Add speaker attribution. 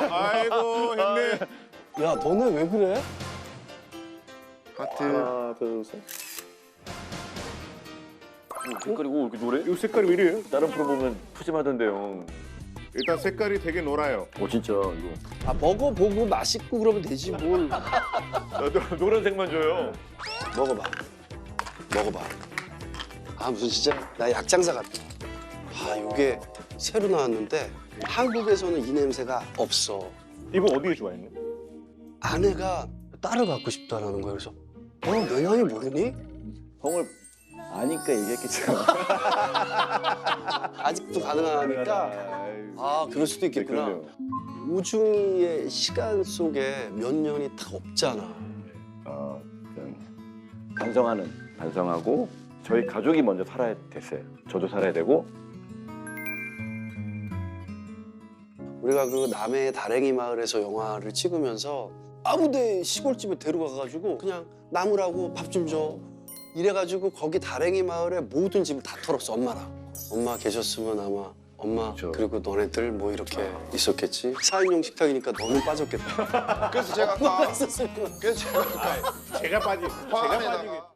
Speaker 1: 아이고 형님.
Speaker 2: 야, 너네 왜 그래?
Speaker 1: 하트.
Speaker 3: 하나, 둘, 셋. 색깔이 오 이렇게 노래?
Speaker 1: 이 색깔이 왜 이래요?
Speaker 3: 다른 프로 보면 푸짐하던데요.
Speaker 1: 일단 색깔이 되게 노라요.
Speaker 3: 오 진짜 이거.
Speaker 2: 아, 먹어보고 맛있고 그러면 되지 뭘.
Speaker 3: 노란색만 줘요.
Speaker 2: 먹어봐. 먹어봐. 아, 무슨 진짜 나 약장사 같다. 아, 이게 새로 나왔는데 한국에서는 이 냄새가 없어.
Speaker 1: 이거 어디에 좋아했니?
Speaker 2: 아내가 딸을 갖고 싶다라는 거야. 그래서 내 나이 모르니?
Speaker 3: 형을 아니까 얘기했겠죠.
Speaker 2: 아직도 가능하니까 아, 그럴 수도 있겠구나.
Speaker 3: 그러네요.
Speaker 2: 우중이의 시간 속에 몇 년이 다 없잖아.
Speaker 3: 그냥 반성하고 저희 가족이 먼저 살아야 됐어요. 저도 살아야 되고.
Speaker 2: 우리가 그 남해 다랭이 마을에서 영화를 찍으면서 아무데 시골집에 데려가가지고 그냥 나무라고 밥 좀 줘. 이래가지고 거기 다랭이 마을에 모든 집을 다 털었어, 엄마랑. 엄마 계셨으면 아마 엄마
Speaker 3: 그쵸.
Speaker 2: 그리고 너네들 뭐 이렇게 있었겠지. 4인용 식탁이니까 너무 빠졌겠다.
Speaker 1: 그래서 제가 아까
Speaker 2: 있었으면.
Speaker 1: 그래서 제가 아까 제가 빠지게